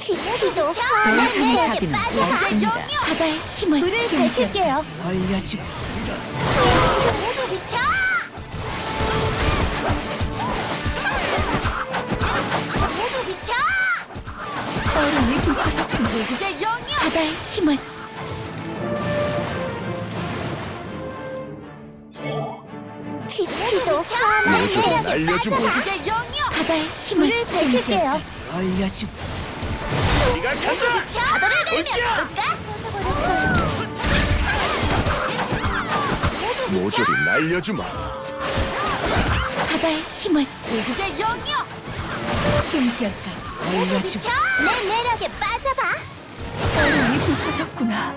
피도 더 이상의 자비는 없습니다. 바다의 힘을 불을 밝힐게요. 알려주고 모두 비켜! 모두 비켜! 얼음이 부서졌군. 그게 영이야! 바다의 힘을 피도 모조리 날려주마. 그게 영이야! 바다의 힘을 불을 밝힐게요. 알려주고 네가 간다. 바다를 내리면 볼까? 모조리 날려주마. 바다의 힘을 그게 영이야! 숨결까지 알려주고 내 매력에 빠져봐! 얼음이 부서졌구나.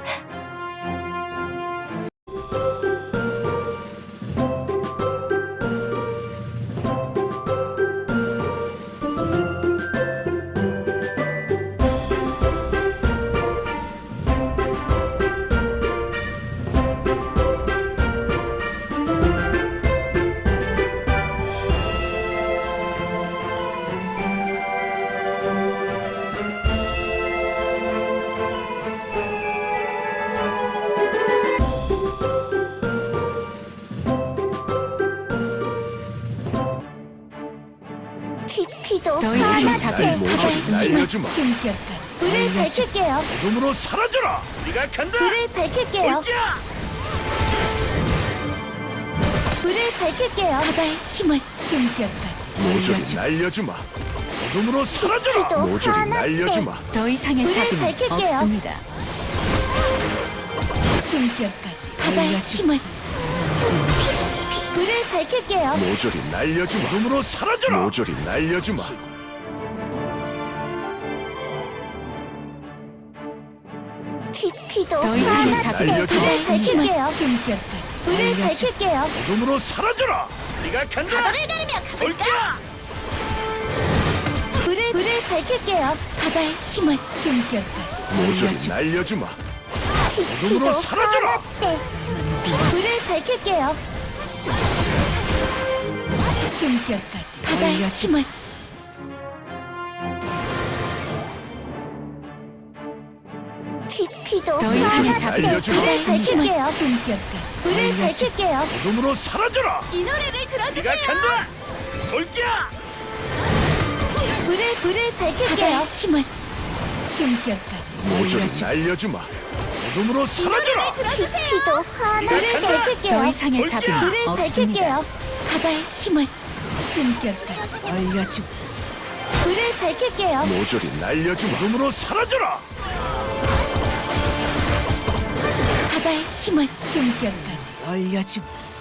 피도 더 이상의 하나 자비는 돼. 모조리 없습니다. 날려주마. 숨결까지 불을 알려주고 밝힐게요. 눈으로 사라져라. 네가 간다. 불을 밝힐게요. 올기야. 불을 밝힐게요. 바다의 힘을 숨결까지 모조리 알려주고 날려주마. 눈으로 사라져라. 피도 모조리 하나 날려주마. 더 이상의 불을 자비는 밝힐게요. 없습니다. 숨결까지 바다의 알려주고 힘을 불을 밝힐게요. 모조리 날려주마. 눈으로 사라져라. 모조리 날려주마. 피도 더 이상의 하나 자비는 돼. 불을 밝힐게요. 숨결까지 불을 알려주고 밝힐게요. 눈으로 사라져라. 네가 간다. 바다를 가리면 올기야. 불을 밝힐게요. 바다의 힘을 숨결까지 모조리 알려주고 날려주마. 피도 눈으로 사라져라. 하나 돼. 불을 밝힐게요. 숨결까지 바다의 알려주고 힘을 피도 더 이상의 하나 자비는 돼. 알려주마. 불을 밝힐게요. 숨결까지 불을 알려주고 밝힐게요. 눈으로 사라져라. 이 노래를 들어주세요. 네가 간다. 올기야. 불을 밝힐게요. 힘을 숨결까지 모조리 알려주고 날려주마. 눈으로 사라져라. 들어주세요. 피도 하나를 간다. 더 밝힐게요. 이상의 올기야. 자비는 불을 없습니다. 밝힐게요. 바다의 힘을 숨결까지 알려주고 불을 밝힐게요. 모조리 날려주마. 눈으로 사라져라. 바다의 힘을 숨결까지 알려주고